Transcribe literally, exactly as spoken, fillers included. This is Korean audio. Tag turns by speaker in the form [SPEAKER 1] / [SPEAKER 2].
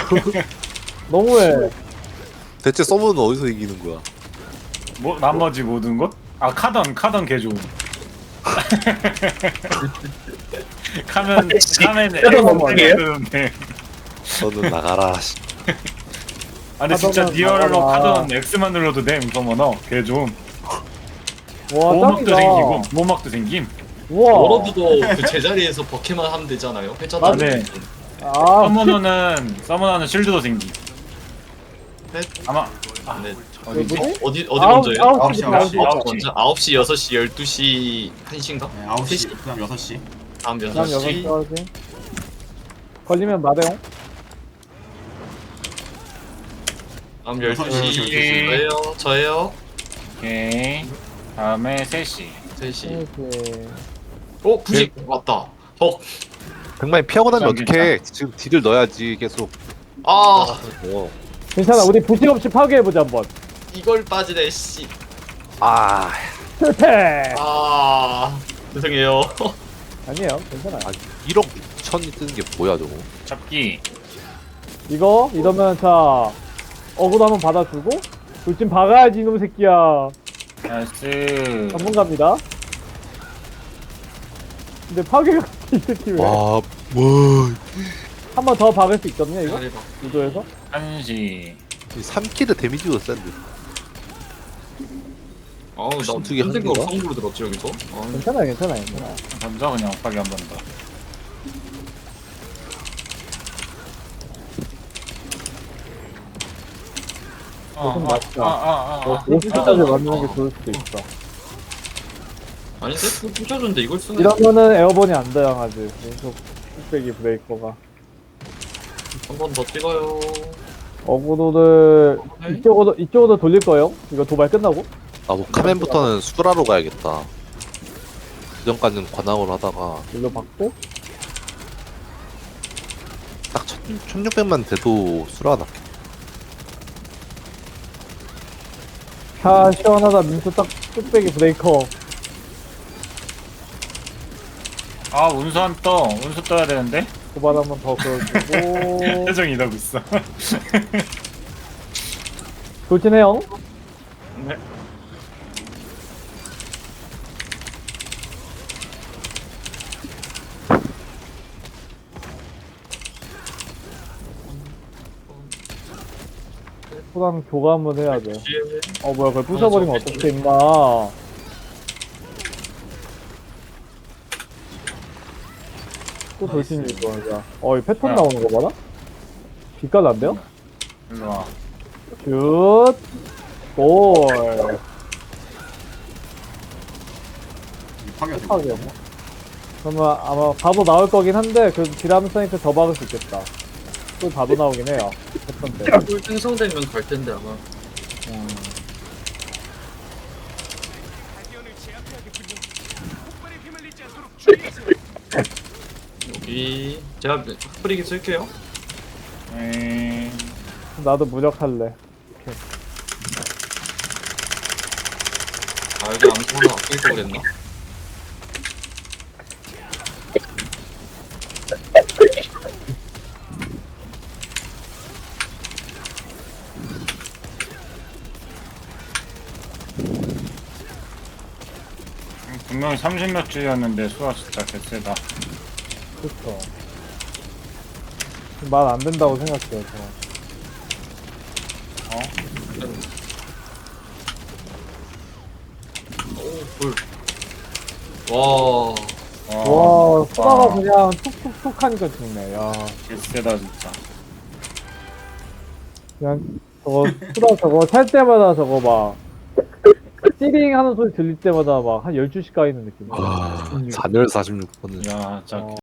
[SPEAKER 1] 너무해.
[SPEAKER 2] 대체 서브는 어디서 이기는 거야?
[SPEAKER 3] 뭐 나머지 모든 것? 아 카던 카던 개 좋음. 카면 카면
[SPEAKER 1] 카던 뭐예요?
[SPEAKER 3] 네.
[SPEAKER 2] 너는 나가라. 씨.
[SPEAKER 3] 아 근데 진짜
[SPEAKER 1] 카던은
[SPEAKER 3] 리얼로
[SPEAKER 1] 나가라.
[SPEAKER 3] 카던 X만 눌러도 됨 서머너 개 좋음.
[SPEAKER 1] 와,
[SPEAKER 3] 보호막도
[SPEAKER 1] 짱이다.
[SPEAKER 3] 생기고 보호막도 생김.
[SPEAKER 1] 우와.
[SPEAKER 4] 워러드도 그 제자리에서 버케만 하면 되잖아요. 회차
[SPEAKER 1] 맞네.
[SPEAKER 4] 다니는
[SPEAKER 1] 아,
[SPEAKER 3] 서머너는 서머너는 실드도 생기.
[SPEAKER 4] 네.
[SPEAKER 3] 아마 아,
[SPEAKER 4] 네.
[SPEAKER 3] 어디지?
[SPEAKER 1] 뭐지?
[SPEAKER 4] 어디 어디
[SPEAKER 1] 아홉-
[SPEAKER 4] 먼저예요?
[SPEAKER 1] 아홉 시,
[SPEAKER 5] 아홉 시,
[SPEAKER 1] 아홉 시.
[SPEAKER 4] 아홉 시 먼저. 아홉 시, 여섯 시, 열두 시, 한 시인가?
[SPEAKER 5] 네, 아홉 시, 그다음 여섯 시.
[SPEAKER 4] 다음
[SPEAKER 1] 그다음
[SPEAKER 4] 여섯
[SPEAKER 1] 여섯
[SPEAKER 4] 시.
[SPEAKER 1] 시까지. 걸리면 마대용.
[SPEAKER 4] 다음
[SPEAKER 5] 여섯
[SPEAKER 4] 열두
[SPEAKER 5] 시,
[SPEAKER 4] 시.
[SPEAKER 5] 열두
[SPEAKER 3] 시.
[SPEAKER 4] 저예요. 저예요.
[SPEAKER 3] 오케이. 다음에 세 시.
[SPEAKER 4] 세 시.
[SPEAKER 1] 이렇게.
[SPEAKER 4] 어, 부식 왔다. 어.
[SPEAKER 2] 백만이 피하고 나면
[SPEAKER 3] 괜찮,
[SPEAKER 2] 어떡해? 지금 딜을 넣어야지 계속.
[SPEAKER 4] 아,
[SPEAKER 2] 어.
[SPEAKER 1] 괜찮아. 우리 부식 없이 파괴해보자, 한번.
[SPEAKER 4] 이걸 빠지네 씨.
[SPEAKER 2] 아,
[SPEAKER 1] 실패!
[SPEAKER 4] 아, 죄송해요.
[SPEAKER 1] 아니에요. 괜찮아요.
[SPEAKER 2] 아 일억 육천이 뜨는 게 뭐야 저거?
[SPEAKER 3] 잡기.
[SPEAKER 1] 이거, 이러면 자, 어그도 한번 받아주고, 돌진 박아야지, 이놈 새끼야.
[SPEAKER 3] 나이스.
[SPEAKER 1] 전문가입니다. 근데 파괴가 이 새끼 왜?
[SPEAKER 2] 와, 뭐
[SPEAKER 1] 한 번 더 박을 수 있거든요, 이거?
[SPEAKER 4] 잘해봐.
[SPEAKER 1] 유도에서?
[SPEAKER 3] 한 시.
[SPEAKER 2] 삼 킬의 데미지도 센데.
[SPEAKER 4] 아우, 나
[SPEAKER 2] 무슨 두개
[SPEAKER 4] 무슨 생각으로
[SPEAKER 2] 한
[SPEAKER 4] 성부로 들었지 여기서? 아,
[SPEAKER 1] 괜찮아요, 괜찮아요, 괜찮아요.
[SPEAKER 3] 던져 그냥 엇박이 한 번 더.
[SPEAKER 1] 조금
[SPEAKER 3] 어,
[SPEAKER 1] 낫다.
[SPEAKER 3] 아, 아, 아, 아.
[SPEAKER 1] 오십 시까지 맞는 게 좋을 수도 있어.
[SPEAKER 4] 아닌데? 그 부셔줬는데 이걸 쓰는.
[SPEAKER 1] 이러면은 에어본이 안 다양하지. 계속 뚝배기 브레이커가.
[SPEAKER 4] 한 번 더 찍어요.
[SPEAKER 1] 어그로를
[SPEAKER 4] 네.
[SPEAKER 1] 이쪽으로, 이쪽으로 돌릴 거예요. 이거 도발 끝나고.
[SPEAKER 2] 나도 카멘부터는 수라로 가야겠다. 그 전까지는 관악으로 하다가
[SPEAKER 1] 일로 받고.
[SPEAKER 2] 딱 천육백만 돼도 수라가 낫겠다.
[SPEAKER 1] 자, 시원하다. 민수 딱 뚝배기 브레이커.
[SPEAKER 3] 아 운수 안 떠. 운수 떠야 되는데.
[SPEAKER 1] 도발 한 번 더 걸어주고.
[SPEAKER 3] 표정이 이러고 있어.
[SPEAKER 1] 돌진해요.
[SPEAKER 3] 네.
[SPEAKER 1] 호랑 교감을 해야 돼.
[SPEAKER 4] 뒤에
[SPEAKER 1] 어, 뭐야, 그걸 부숴버리면 어떡해, 임마. 또 돌진이 이거, 자. 어, 이 패턴
[SPEAKER 3] 야.
[SPEAKER 1] 나오는 거 봐라? 빛깔 안 돼요?
[SPEAKER 3] 일로 와.
[SPEAKER 1] 슛! 골!
[SPEAKER 5] 파괴가 되고.
[SPEAKER 1] 하게 뭐. 그러면 아마 바로 나올 거긴 한데, 그래도 디라미 사이트 더 박을 수 있겠다. 또 바로 나오긴 해요. 패턴 때.
[SPEAKER 4] 꿀 생성되면 갈 텐데 아마.
[SPEAKER 1] 음.
[SPEAKER 4] 여기 제가 뿌리기 쓸게요.
[SPEAKER 3] 에이.
[SPEAKER 1] 나도 무력할래.
[SPEAKER 4] 아 여기 암수 하나 아낄 거 그랬나?
[SPEAKER 3] 분명히 삼십 몇 줄이었는데 수가 진짜 개쎄다.
[SPEAKER 1] 그쵸. 말 안 된다고 생각해요, 저.
[SPEAKER 3] 어?
[SPEAKER 4] 오 꿀. 와.
[SPEAKER 1] 와, 수다가
[SPEAKER 3] 와,
[SPEAKER 1] 그냥 툭툭툭 하니까 죽네, 야.
[SPEAKER 3] 개쎄다 진짜.
[SPEAKER 1] 그냥, 저거, 수다 저거 찰 때마다 저거 막, 찌링 하는 소리 들릴 때마다 막 한 열두 시 까이는 느낌.
[SPEAKER 2] 아, 잔열 사십육 번은
[SPEAKER 3] 야, 진짜
[SPEAKER 1] 어.